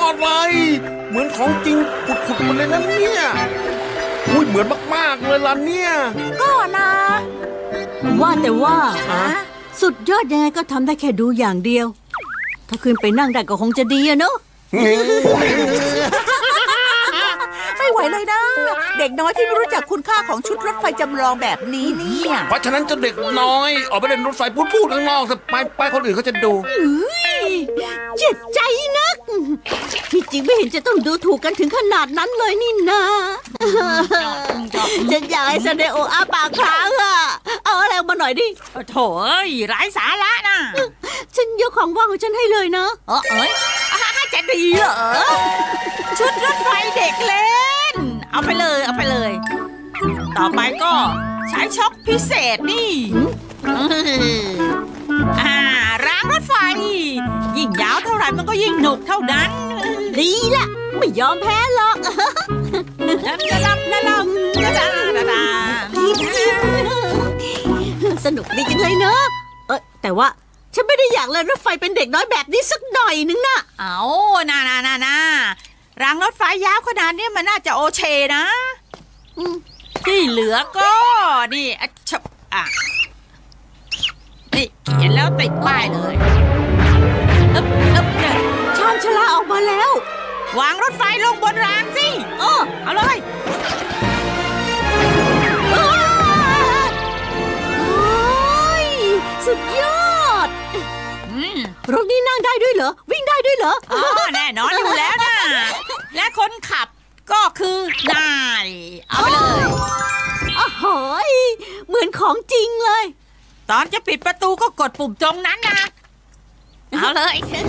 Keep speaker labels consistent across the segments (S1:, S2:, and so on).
S1: อดเลยเหมือนของจริงผุดๆมาเลยนะเนี่ยอุ้ยเหมือนมากๆเลยล่ะเนี่ย
S2: ก็นะ
S3: ว่าแต่ว่า
S2: ฮะ
S3: สุดยอดยังไงก็ทำได้แค่ดูอย่างเดียว ถ้าขึ้นไปนั่งได้ก็คงจะดีอะเนาะ
S2: ไม่ไหวเลยนะ เด็กน้อยที่ไม่รู้จักคุณค่าของชุดรถไฟจำลองแบบนี้เนี่ย
S1: เพราะฉะนั้นเจ้าเด็กน้อยออกไปเล่นรถไฟพูดข้างนอกแต่ไปคนอื่นเขาจะดู
S3: เจ็บใจนักที่จริงไม่เห็นจะต้องดูถูกกันถึงขนาดนั้นเลยนี่นะฉันอยากให้ซาเดโออาปากค้างอะเอาอะไรมาหน่อยดิ
S4: โถ่เอ้ยไร้สาระนะ
S3: ฉันยกของว่างของฉันให้เลยนะ
S4: เอ้ยจะดีเหรอ ชุดรถไฟเด็กเล่น เอาไปเลยเอาไปเลย ต่อไปก็ใช้ช็อคพิเศษนี่รางรถไฟ ยิ่งยาวเท่าไหร่มันก็ยิ่งหนุกเท่านั้น
S3: ดีละไม่ยอมแพ้หรอก สนุกดีจังเลยเนอะแต่ว่าฉันไม่ได้อยากเลยรถไฟเป็นเด็กน้อยแบบนี้สักหน่อยนึงนะ
S4: เอาน่ารางรถไฟยาวขนาดนี้มันน่าจะโอเคนะที่เหลือก็นี่นี่เขียนแล้วติดป้ายเลยเนี่ย
S3: ชานชลาออกมาแล้ว
S4: วางรถไฟลงบนรางสิเอาเลย
S3: โอ้ยสุดยอดรถนี้นั่งได้ด้วยเหรอวิ่งได้ด้วยเหรอ
S4: แน่นอนอยู่แล้วนะและคนขับก็คือนายเอาไปเลย
S3: โอ้โหเหมือนของจริงเลย
S4: ตอนจะปิดประตูก็กดปุ่มตรงนั้นนะเอาเลย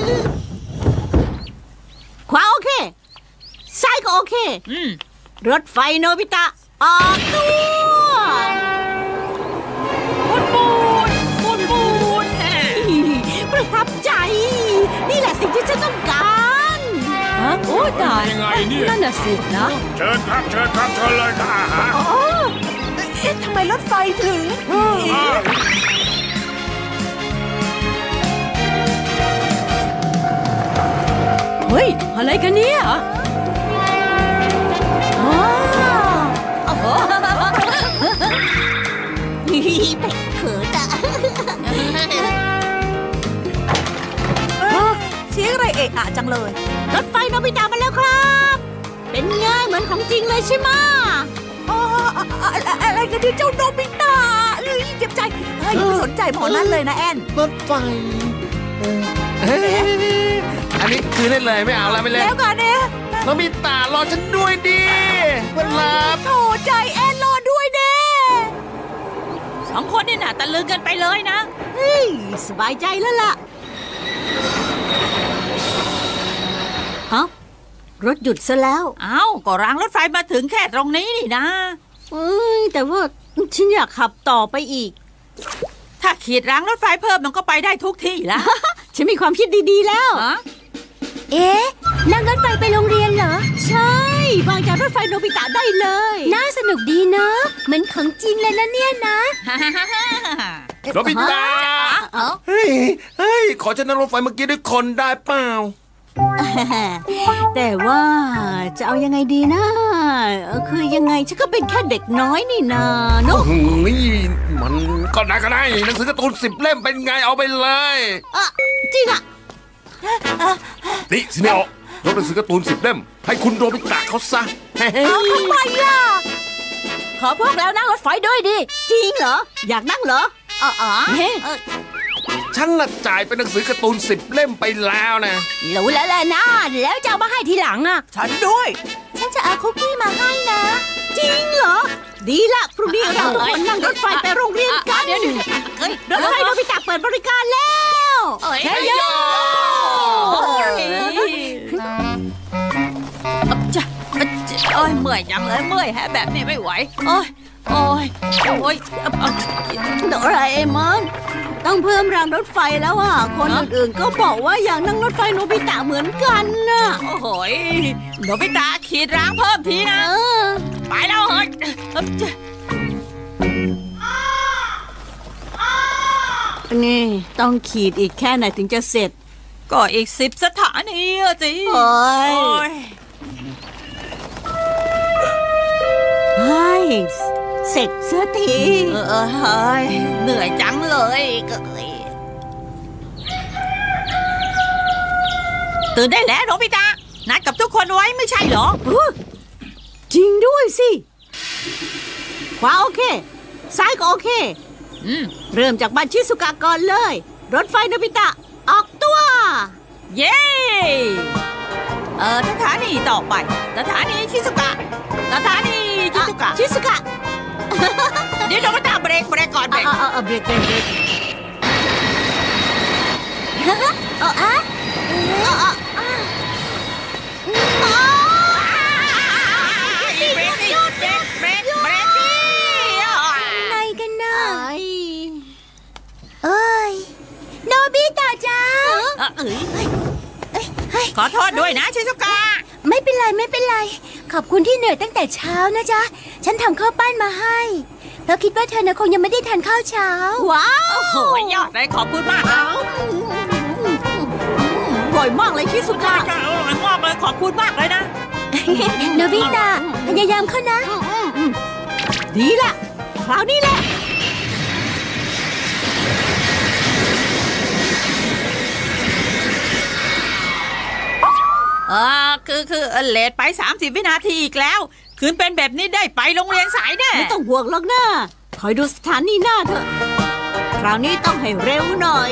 S3: ขวาโอเคซ้ายก็โอเครถไฟโนบิตะออกตัว
S4: ปูน
S3: ประทับใจ นี่แหละสิ่งที่ฉันต้องการโอ้ตาย
S5: ยังไงเนี่ย
S3: นั่นน่ะสินะ
S5: เชิญครับเชิญเลยค่ะ
S2: ทำไมรถไฟถึง
S3: เฮ้ยอะไรกันเนี่ยโอ้โหเป็ดเขินอะ
S2: เสียงอะไรเอะอะจังเลย
S3: รถไฟโนบิตะมาแล้วครับ เป็นไงเหมือนของจริงเลยใช่ไหม
S2: อะไรกันที่เจ้าโนบิตะเจ็บใจอย่าไปสนใจหมอนั่นเลยนะแอน
S1: รถไฟอันนี้คือได้เลยไม่เอาแล้วไม่เล่น
S2: แล้วกันเนี่ย
S1: น้องมีตารอฉันด้วยดิเพื่อนรัก
S2: โถใจแอนรอด้วยเด้
S4: สองคนนี่น่ะตะลึงกันไปเลยนะ
S3: เฮ้ยสบายใจแล้วล่ะฮะรถหยุดซะแล้ว
S4: ก็รางรถไฟมาถึงแค่ตรงนี้นี่นะ
S3: แต่ว่าฉันอยากขับต่อไปอีก
S4: ถ้าขีดรางรถไฟเพิ่มมันก็ไปได้ทุกที่ละ
S3: ฉันมีความคิดดีๆแล้ว
S6: เอ๊ะนั่งรถไฟไปโรงเรียนเหรอ
S3: ใช่วางจากรถไฟโนบิตะได้เลย
S6: น่าสนุกดีเนาะเหมือนของจริงเลยนะเนี่ยนะ
S1: น้องมีตาเฮ้ยขอฉันนั่งรถไฟเมื่อกี้ด้วยคนได้เปล่า
S3: แต่ว่าจะเอายังไงดีนะคือยังไงฉันก็เป็นแค่เด็กน้อยนี่นาเนอะ
S1: มันก็ได้หนังสือการ์ตูน10 เล่มเป็นไงเอาไปเลย
S3: จริงอะ
S1: นี่สิเนโอยกหนังสือการ์ตูน10 เล่มให้คุณโรบิตะเขาซะ
S3: เอาทำไมล่ะขอพวกเรานั่งรถไฟด้วยดิจริงเหรออยากนั่งเหรอเฮ้
S1: ฉันน่ะจ่ายเป็นหนังสือการ์ตูน10 เล่มไปแล้วนะ
S3: รู้แล้วแหละนะแล้วจะเอามาให้ทีหลังอะ
S2: ฉันด้วย
S6: ฉันจะเอาคุกกี้มาให้นะ
S3: จริงเหรอดีละพรุ่งนี้เราทุกคนนั่งรถไฟไปโรงเรียนกัน
S4: เดี๋ยว
S3: รถไฟโนบิตะเปิดบริการแล้ว
S4: เฮ้ยโยโอ้ยเมื่อยจังเลยเมื่อยแฮะแบบนี้ไม่ไหวโอ้ย
S3: โดราเอมอนต้องเพิ่มรางรถไฟแล้วอ่ะคนอื่นๆก็บอกว่าอยากนั่งรถไฟโนบิตะเหมือนกันน่ะ
S4: โอ้โหโนบิตะขีดรางเพิ่มทีนะไปแล้วเฮ้ย
S3: นี่ต้องขีดอีกแค่ไหนถึงจะเสร็จ
S4: ก็อีก10 สถานีอะสิ
S3: โอ้ย
S4: โอ้ย
S3: เฮ้ยเสร็จเสียที
S4: เฮ้ยเหนื่อยจังเลยตื่นได้แล้วโนบิตะนัดกับทุกคนไว้ไม่ใช่เหรอ
S3: จริงด้วยสิขวาโอเค ซ้ายก็โอเค เริ่มจากบ้านชิสุกะก่อนเลย รถไฟโนบิตะ ออกตัว
S4: เย้สถานีต่อไปสถานีชิซุกะสถานีชิซุกะ
S3: ชิสุกะ
S4: เดี๋ยวโนบิตะเบรกก่อนเบรก
S3: เบรก
S6: เอออะ
S4: เบรกดิเบรกดิ
S6: ไงกันนะเอ้ยโนบิตะจ้า
S4: ขอโทษด้วยนะชิซุกะ
S6: ไม่เป็นไร ขอบคุณที่เหนื่อยตั้งแต่เช้านะจ๊ะ ฉันทำข้าวปั้นมาให้เพราะคิดว่าเธอน่ะคงยังไม่ได้ทานข้าวเช้า
S3: ว้าว
S4: โอ้ยยอดเลยขอบคุณมากนะ
S3: อร่อยมากเลยชิสุกะ
S4: อร่อยมากเลยขอบคุณมากเลยนะ
S6: โนบิตะพยายามเข้านะ
S3: ดีละคราวนี้แหละ
S4: คือเลทไป30 วินาทีอีกแล้ว คืนเป็นแบบนี้ได้ไปโรงเรียนสายแน่
S3: ไม่ต้องห่วงหรอกนะคอยดูสถานีหน้าเถอะ คราวนี้ต้องให้เร็วหน่อย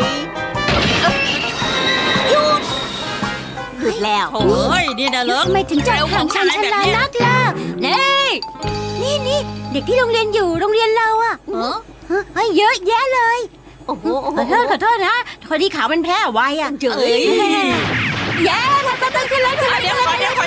S3: หยุดแล้ว
S4: โอ้ยนี่นะเลิก
S6: ทำไมถึงใจห่างฉันลานักล่ะนี่เด็กที่โรงเรียนอยู่โรงเรียนเราอะเฮ้ยเยอะแยะเลย
S3: โอ้โห
S6: ขอโทษนะพอดีขาวมันแพ้ไวอะ
S3: เจ๋ย
S6: แย่แล้วก็ต้องขึ้นเลย
S4: เดี๋ยวก่อนเดี๋ยว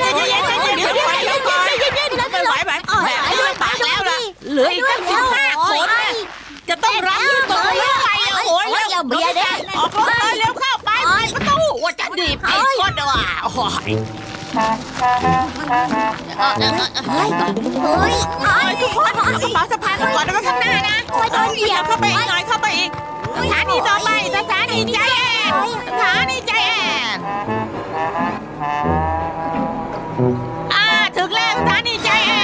S4: ไม่ไหวแบบปากแล้วล่ะเหลืออีกตั้ง15 คนน่ะจะต้องรับยืดตัวไม่ไหวโอ้ยแล้วเบียร์ได้ออกรถเลยเร็วเข้าไปประตูว่าจะดีบไอ้คนว่ะโอ้ย ทุกคนเอากระเป๋าสะพายมาก่อนแล้วก็ข้างหน้านะเหยียบเข้าไปอีกหน่อยเข้าไปอีกสถานีต่อไปสถานีใจแอนสถานีใจแอนถึงแล้วสถานีใจแอน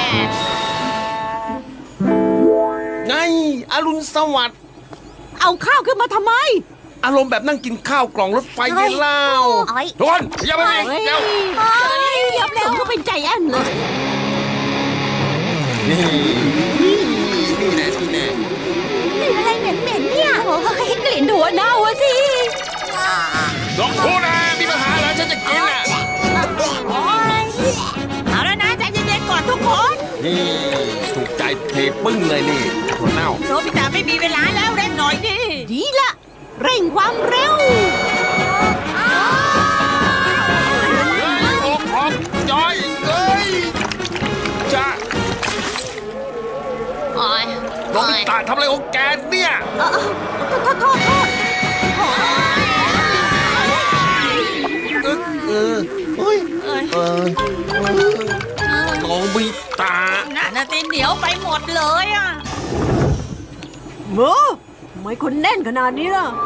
S1: ไงอรุณสวัสดิ์
S3: เอาข้าวขึ้นมาทำไม
S1: อารมณ์แบบนั่งกินข้าวกล่องรถไฟไงเล่าทุกคนอย่าไปเองเดี๋ยว
S3: เหยียบผมก็เป็นใจแอนเลย
S1: นี่แน่
S6: อะไรเหม็นเนี่ย
S3: โอ้ยกลิ่นหัวเน่าอะสิ
S1: ลองพูดนะมีปัญหาเหรอฉันจะกินอ่ะ
S4: เอาแล้วนะใจเย็นๆก่อนทุกคน
S1: นี่ถูกใจเทปึ้งเลยนี่หัวเน่า
S4: โนบิตะไม่มีเวลาแล้วเร่งหน่อยดิ
S3: ดีละเร่งความเร็ว
S1: ออกย้อยเอ้ยจ้าน้องมิตาทำอะไรของแกเนี่ย
S3: โทษ
S1: เฮ้ยน้องมิตา
S4: น่าตีเหนียวไปหมดเลยอ่ะ
S3: เมอทำไมคนแน่นขนาดนี้ล่ะ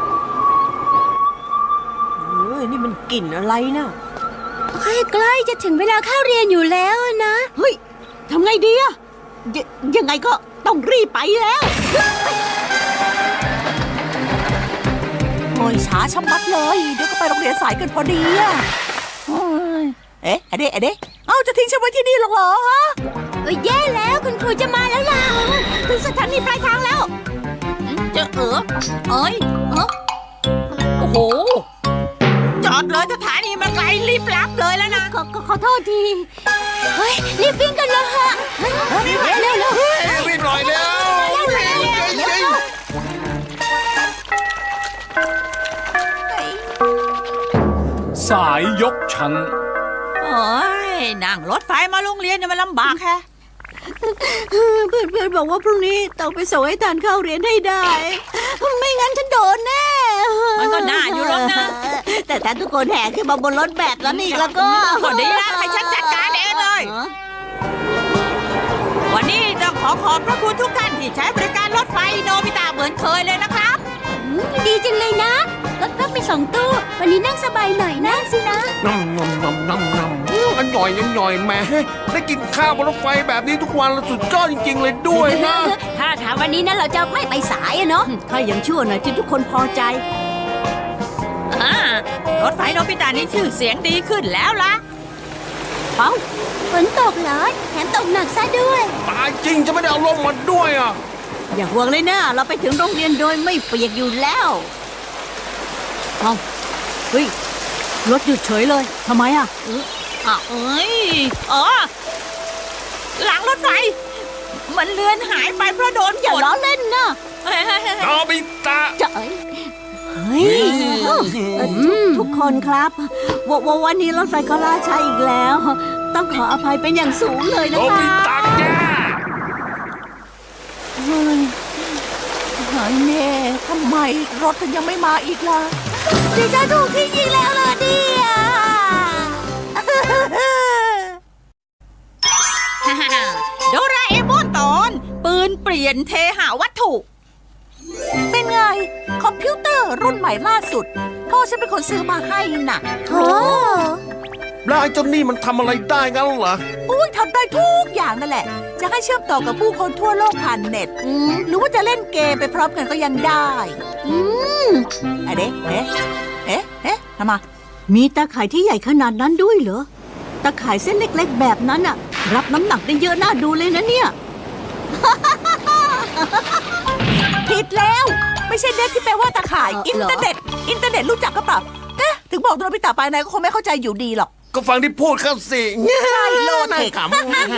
S3: นี่มันกลิ่นอะไรนะ
S6: ใกล้จะถึงเวลาเข้าเรียนอยู่แล้วนะ
S3: เฮ้ยทำไงดีอะยังไงก็ต้องรีบไปแล้ว
S2: โอ้ยช้าชะมัดเลยเดี๋ยวก็ไปโรงเรียนสายกันพอดีอะเอ๊ะอะเดะเอ้าจะทิ้งฉันไว้ที่นี่หรอกเหรอฮะ
S6: แย่แล้วคุณครูจะมาแล้วล่ะ
S3: ถึงสถานีปลายทางแล้ว
S4: เอ้ยโอ้โหจอดเลยสถานีมันไกลรีบรับเลยแล้วนะ
S3: ขอโทษที
S6: เฮ้ยรีบวิ่งกันเลยฮะเร็ว
S1: รีบหน่อยเร็ว
S5: สายยกชั้น
S4: โอ้ยนั่งรถไฟมาโรงเรียนเนี่ยมันลำบากแฮะ
S3: เพื่อนบอกว่าพรุ่งนี้ต้องไปส่งให้ทันเข้าเรียนให้ได้ ไม่งั้นฉันโดนแน่
S4: มันก็น่าอยู่หรอกนะ
S3: แต่ถ้าทุกคนแห่ขึ้นมาบนรถแบบนั้นอีกแล้วก็
S4: ก็ดีละให้ฉันจัดการเองเลย วันนี้ต้องขอบพระคุณทุกท่านที่ใช้บริการรถไฟโนบิตะเหมือนเคยเลยนะครับ
S6: ดีจังเลยนะรถพักมี2 ตู้ วันนี้นั่งสบายหน่อยนั่งสินะ
S1: น้ำอร่อยอร่อยแหม่ได้กินข้าวบนรถไฟแบบนี้ทุกวันแล้วสุดยอดจริงๆเลยด้วยนะ
S6: ถ้าถามวันนี้นะเราจะไม่ไปสายอะเนาะ
S3: ถ้ายังชั่วหน่อยที่ทุกคนพอใจ
S4: รถไฟโนบิตะนี่ชื่อเสียงดีขึ้นแล้วล่ะ
S3: เอ้า
S6: ฝนตกเหรอ แถมตกหนักซะด้วย
S1: ตายจริงจะไม่ได้เอาลงมาด้วยอ่ะ
S3: อย่าห่วงเลยนะ เราไปถึงโรงเรียนโดยไม่เปียกอยู่แล้วเอาเฮ้ย รถหยุดเฉยเลย ทำไมอ่ะ
S4: เอ้ยอ๋อหลังรถไฟ มันเลือนหายไปเพราะโดน
S3: อย่า
S4: ฝน
S3: ล้อเล่นนะ
S1: โนบิตะ
S3: จะเอ้ยเฮ้ยทุกคนครับวันนี้รถไฟก็ล่าช้าอีกแล้ว ต้องขออภัยเป็นอย่างสูงเลย
S1: โน
S3: นะค
S1: บิ
S3: รับ
S1: ตะแก
S2: เฮ้ยหายแน่ทำไมรถถึงยังไม่มาอีกล่ะ
S6: ดิฉันถูกทิ้งอีกแล้วเหรอเนี่ย
S4: โดราเอมอนตอน ปืนเปลี่ยนเทหาวัตถุ
S2: เป็นไง คอมพิวเตอร์รุ่นใหม่ล่าสุด พ่อฉันเป็นคนซื้อมาให้น่ะ
S6: โอ้
S1: แล้วไอ้เจ้านี่มันทำอะไรได้งั้นเหรอ
S2: อุ้ยทำได้ทุกอย่างนั่นแหละ จะให้เชื่อมต่อกับผู้คนทั่วโลกผ่านเน็ต หรือว่าจะเล่นเกมไปพร้อมกันก็ยังได้เอ๊ะทำไม
S3: มีตาข่ายที่ใหญ่ขนาดนั้นด้วยเหรอ ตาข่ายเส้นเล็กๆแบบนั้นอะรับน้ำหนักได้เยอะน่าดูเลยนะเนี่ย
S2: ผิดแล้ว ไม่ใช่เน็ตที่แปลว่าตาข่าย
S3: เหรอ
S2: อินเทอร์เน็ตรู้จักก็เปล่าถึงบอกโนบิตะไปนายก็คงไม่เข้าใจอยู่ดีหรอก
S1: ก็ฟังที่พูดเข้าสิ
S2: ใช่โลเทค
S1: ข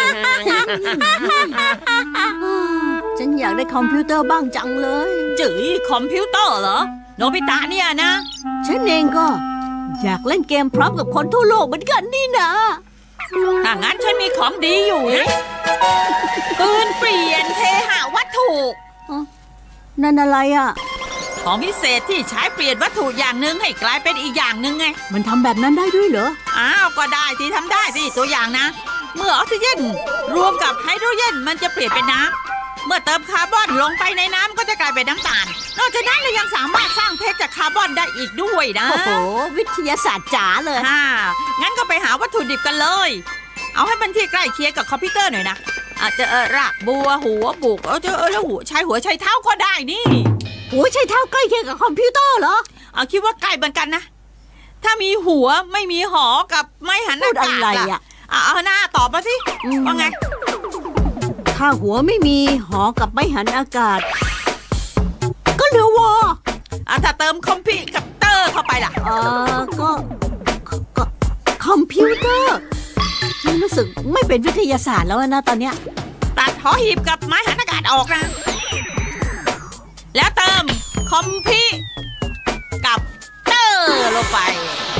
S3: ฉันอยากได้คอมพิวเตอร์บ้างจังเลย
S4: จื๋ยคอมพิวเตอร์เหรอ โนบิตะเนี่ยนะ
S3: ฉันเองก็ อยากเล่นเกมพร้อมกับคนทั่วโลกเหมือนกันนี่นะ
S4: ถ้างั้นฉันมีของดีอยู่นะ ปืนเปลี่ยนเทหาวัตถุ
S3: นั่นอะไรอะ
S4: ของพิเศษที่ใช้เปลี่ยนวัตถุอย่างหนึ่งให้กลายเป็นอีกอย่างหนึ่งไง
S3: มันทำแบบนั้นได้ด้วยเหรอ
S4: อ้าวก็ได้ที่ทำได้สิตัวอย่างนะ เมื่อออกซิเจนรวมกับไฮโดรเจนมันจะเปลี่ยนเป็นน้ำเมื่อเติมคาร์บอนลงไปในน้ำก็จะกลายเป็นน้ำตาล นอกจากนั้นเรายังสามารถสร้างเพชรจากคาร์บอนได้อีกด้วยนะ
S3: โอ้โห วิทยาศาสตร์จ๋าเลย
S4: งั้นก็ไปหาวัตถุดิบกันเลย เอาให้มันที่ใกล้เคียงกับคอมพิวเตอร์หน่อยนะอาจจะรากบัวหัวบุกแล้วหัวใช้หัวใช้เท้าก็ได้นี่
S3: โอ้ยใช่เท่าใกล้เคียงกับคอมพิวเตอร์เหรอ
S4: เอาคิดว่าใกล้เหมือนกันนะ ถ้ามีหัวไม่มีหอกับไม้หัน
S3: พู
S4: อา
S3: ดอะ
S4: กาศ
S3: ไร
S4: ล่ะ
S3: อะ
S4: เอาหน้าตอบมาสิว่าไง
S3: ถ้าหัวไม่มีหอกับไม่หันอากาศ ก็เหลือวอ
S4: ถ้าเติมคอมพิวเตอร์เข้าไปล่ะ
S3: ก็คอมพิวเตอร์มันรู้สึกไม่เป็นวิทยาศาสตร์แล้วนะตอนเนี้ย
S4: ตัดหอหีบกับไม้หันอากาศออกนะ แล้วเติมคอมพิวกับเตอร์ลงไป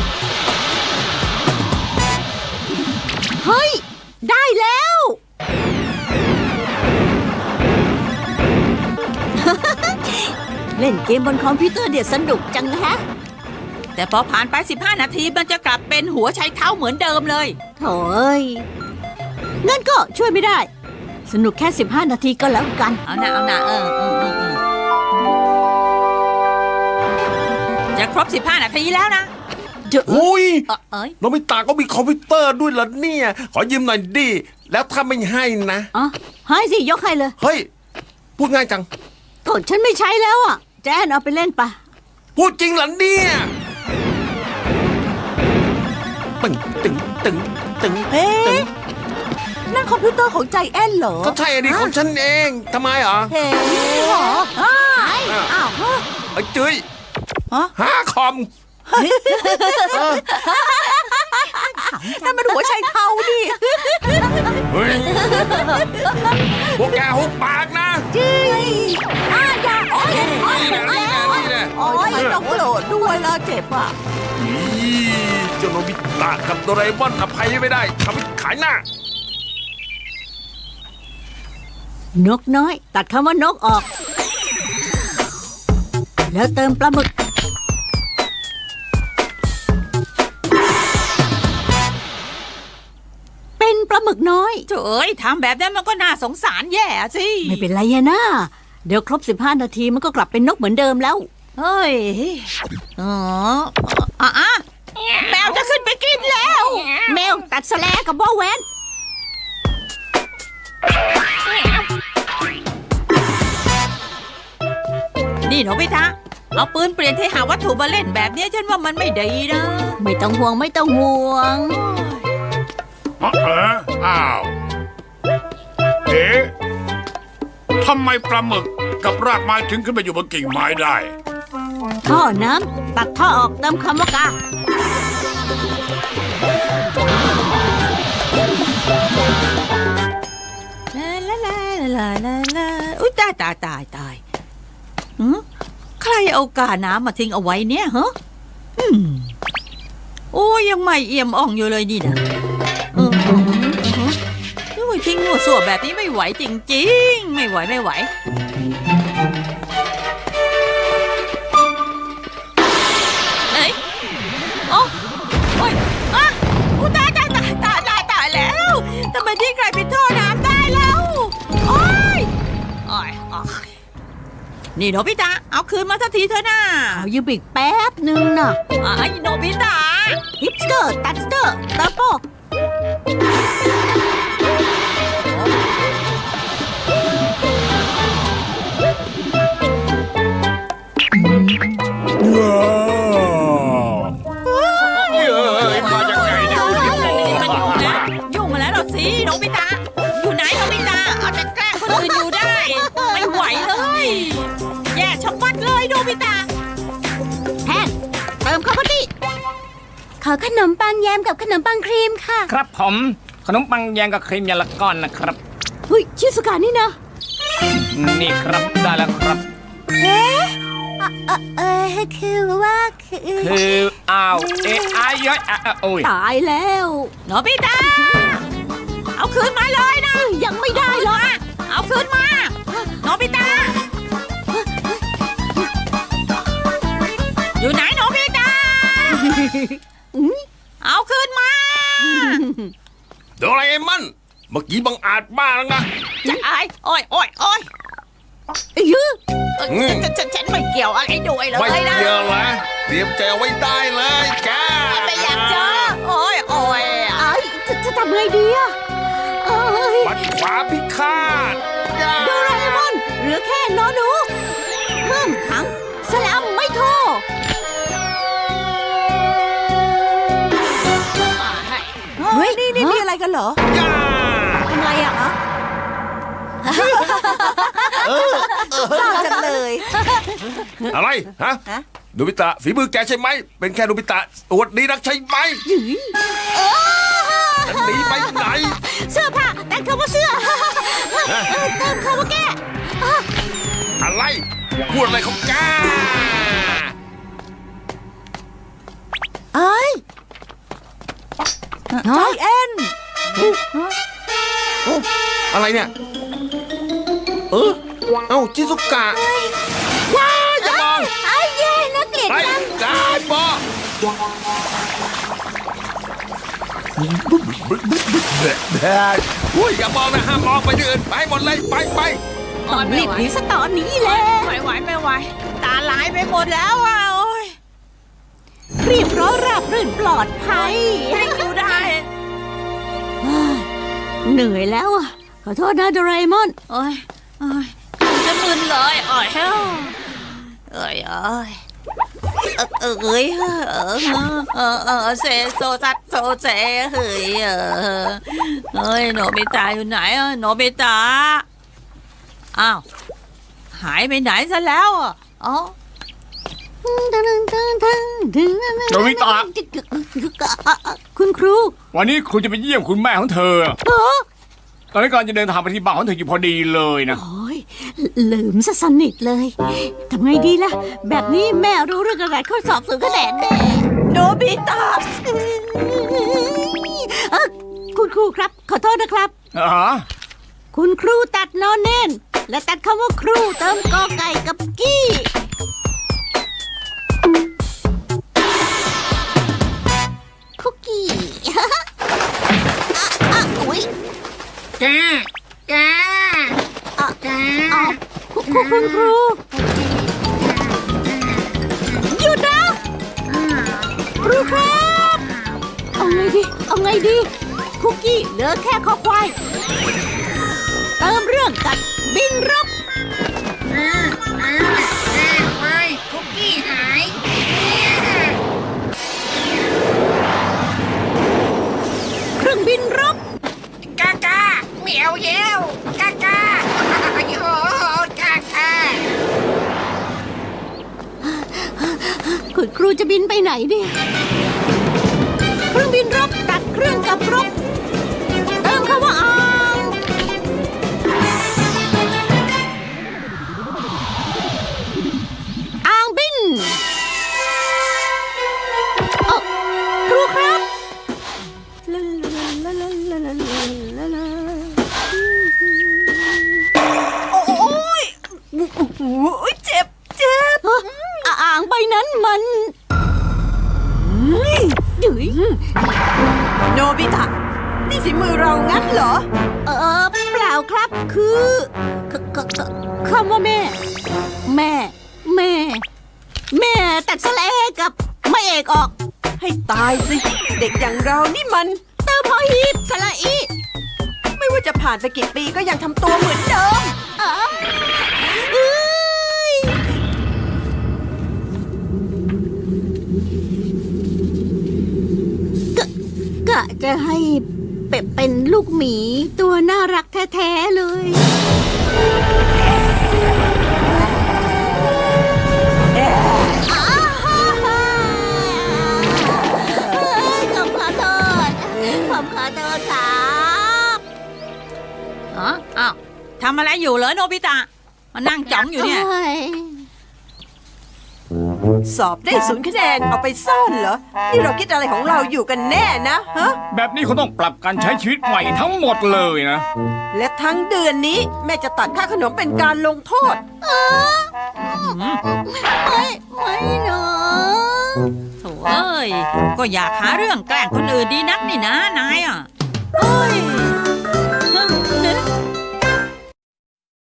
S3: เฮ้ย ได้แล้ว เล่นเกมบนคอมพิวเตอร์เดี๋ยวสนุกจังฮะ
S4: แต่พอผ่านไป15 นาทีมันจะกลับเป็นหัวใช้เท้าเหมือนเดิมเลย
S3: โถ่เอ้ยงั้นก็ช่วยไม่ได้ สนุกแค่ 15 นาทีก็แล้วกัน
S4: เอาหนะจะครบ15 นาทีแล้วนะ
S1: อุ้ย
S4: เอ้ย
S1: โนบิตะก็มีคอมพิวเตอร์ด้วยเหรอเนี่ย ขอยืมหน่อยดิ แล้วถ้าไม่ให้นะ
S3: อ๋อให้สิยกให้เลย
S1: เฮ้ย พูดง่ายจัง
S3: ก็ฉันไม่ใช้แล้วอ่ะ แจนเอาไปเล่นปะ
S1: พูดจริงเหรอเนี่ยตึงตึงตึงตึง
S2: เอ๊
S1: ตึง
S2: ะนั่นคอมพิวเตอร์ของใจแอนเหรอ
S1: ก็ใช่อะดิของฉันเองทำไมเหรอ
S2: เฮ้เหรออ้าว
S1: ไอ้จุ้ย
S2: ฮะ
S1: หาคอม
S2: นั่นมันหัวใจเท้าดิ
S1: เฮ้ย พวกแกหุบปากนะ
S2: อย่าโอ๊ย
S1: นี่แหละนี่แหละ
S2: โอ๊ยต้องโกรธด้วยละเจ็บอ่ะ
S1: อีเจ้าโนบิตะกับโดราเอมอนอภัยไม่ได้ทำให้ขายหน้า
S3: นกน้อย ตัดคำว่านกออก แล้วเติมปลาหมึก เป็นปลาหมึกน้อย
S4: เจ้ยทำแบบนั้นมันก็น่าสงสารแย่สิ
S3: ไม่เป็นไรอะนะ เดี๋ยวครบ 15 นาทีมันก็กลับเป็นนกเหมือนเดิมแล้ว
S4: เฮ้ยอ๋ออ่ะแมวจะขึ้นไปกินแล้ว
S3: แมวตัดสแลกับบ่อแหวน
S4: นี่โนบิตะเอาปืนเปลี่ยนที่หาวัตถุมาเล่นแบบนี้ฉันว่ามันไม่ดีนะ
S3: ไม่ต้องห่วงไม่ต้องห่วง
S7: อ้าวเอ๊ะทำไมปลาหมึกกับรากไม้ถึงขึ้นไปอยู่บนกิ่งไม้ได้
S3: ท่อน้ำตัดท่อออกเติมคำว่ากา
S4: ลาอุ้ยตายหือใครเอากาน้ำมาทิ้งเอาไว้เนี่ยฮะโอ้ยังไม่เอี่ยมอ่องอยู่เลยนี่นะโอ้ยทิ้งหัวส่วแบบนี้ไม่ไหวจริงๆไม่ไหวเอ้ยโอ้ยอ่ะอู้ตายแล้วทำไมที่กลายเป็นท่อน้ำได้แล้วโอ้ยนี่โนบิตะเอาคืนมาสักทีเถอะนะ
S3: เอายืมอีกแป๊บหนึ่งน่ะ
S4: ไอ้โนบิตะ
S3: ฮิปสเตอร์ตัดสเตอร์ตาโป
S7: มาจากไหนเนี่ย
S4: ยุ่งมาแล้วเหรอสิโนบิตะอยู่ไหนโนบิตะเอาแต่แกล้งคนอื่นอยู่ได้ ไม่ไหวเลยแย่ชะมัดเลยโนบิตะ
S3: แทนเติมข้าวโพดดิ
S6: ขอขนมปังแยมกับขนมปังครีมค่ะ
S5: ครับผมขนมปังแยงกับครีมอย่างละก้อนนะครับ
S3: เฮ้ยชิสุกะนี่นะ
S5: นี่ครับได้แล้วครับ
S6: คือว่า
S5: คืออ้าวอายย้อยโอ้ย
S3: ตายแล้ว
S4: โนบิตะเอาคืนมาเลยนะ
S3: ยังไม่ได้หรอก
S4: เอาคืนมาโนบิตะอยู่ไหนโนบิตะเอาคืนมา
S1: โดราเอมอนเมื่อกี้บังอาจมากแล้วนะ
S4: จะอายโอ้ย
S3: ยื้อ
S4: ฉันไม่เกี่ยวอะไรด้วยเลย
S1: ไม่
S4: นะ
S1: เกี่ยวนะเตรียมใจเอาไว้ได้เลยแก
S4: ไม่อยากเจอโอ้ย
S3: ไอ้จะทำไงดีอะเอ้ย
S1: ปัดขวาพิฆาตย่า
S3: โดราเอมอนเหลือแค่นอหนูเพิ่มขังสลัมไม่โทร
S2: เฮ้ยนี่มีอะไรกันเหรอ
S1: ย่า
S3: ทำไรอะ
S2: เศร้าจังเลย
S1: อะไรฮะ
S2: ฮะ
S1: โนบิตะฝีมือแกใช่ไหมเป็นแค่โนบิตะตัวดีนักใช่ไหมจะหนีไปไหน
S3: เสื้อผ้าแต่งคำว่าเสื้อเติมคำว่าแก้
S1: อะไรพูดอะไรของแก
S2: เอ้ยใจแอน
S1: อะไรเนี่ยเอ้าจิซุกะว้าอย่ามอง
S6: ไอ้เย่น่าเกลียด
S1: ไป
S6: จัง
S1: ได้ปออุ้ยอย่ามองนะห้ามมองไปที่อื่นไปหมดเลยไป
S3: ต้องรีบหนีซะตอนนี้แหละ
S4: ไม่ไหวตาลายไปหมดแล้วอ่ะโอ้ย
S3: เรียบร้อยราบรื่นปลอดภัย
S4: อยู่ได้
S3: เหนื่อยแล้วอะขอโทษนะโดราเอมอน
S4: โอ้ยจะมึนเลยโอ้ยเซโซซัดโซเซเฮ้ยโนบิตะอยู่ไหนอ่ะโนบิตะอ้าวหายไปไหนซะแล้วอ่ะอ๋อ
S5: โนบิตะ
S3: คุณครู
S5: วันนี้ครูจะไปเยี่ยมคุณแม่ของเธอ ตอนนี้กำลังจะเดินทางไปที่บ้านของเธออยู่พอดีเลยนะ
S3: โอ้ยลืมซะสนิทเลยทำไงดีล่ะ แบบนี้แม่รู้เรื่องอะไรข้อสอบสูงคะแนนแน่
S4: โนบิตะ
S3: คุณครูครับ ขอโทษนะครับ คุณครูตัดนอนเน้นและตัดคำว่าครูเติมกอไก่กับกี้คุกกี้ อุ๊ย
S6: แก
S3: คุณครูครับ เอาไงดี เอาไงดี คุกกี้เหลือแค่คอควาย เติมเรื่องกัดบินรบ
S4: ไม่คุกกี้หาย
S3: เครื่องบินรบ
S4: กากาเหมียวเยวกากาโยกากา
S3: คุณครูจะบินไปไหนเนี่ยเครื่องบินรบตัดเครื่องกับรบเติมคำว่าอ่างบินเอ้าครูครับ
S2: เจ็บ
S3: อ่างใบนั้นมันดื้ย
S2: โนบิตะ นี่ฝีมือเรางั้นเหรอ
S3: เปล่าครับคือคำว่าแม่ แม่ตัดสระเอกับไม่เอกออก
S2: ให้ตายสิ เด็กอย่างเรานี่มัน
S3: เติมพอหีบสระอี
S2: ไม่ว่าจะผ่านไปกี่ปีก็ยังทำตัวเหมือนเดิม
S3: เอ้ยกะจะให้เป็ดเป็นลูกหมีตัวน่ารักแท้ๆเลยผมขอโทษครับ
S4: อ้าวทำอะไรอยู่เหรอโนบิตะมานั่งจ้องอยู่เนี่ย
S2: สอบได้0 คะแนนเอาไปซ่อนเหรอ นี่เราคิดอะไรของเราอยู่กันแน่นะฮะ
S5: แบบนี้เขาต้องปรับการใช้ชีวิตใหม่ทั้งหมดเลยนะ
S2: และทั้งเดือนนี้แม่จะตัดค่าขนมเป็นการลงโทษ
S3: ไม่เนาะ
S4: โถ่เอ้ย ก็อยากหาเรื่องแกล้งคนอื่นดีนักนี่นะนายอ่ะเอ้ย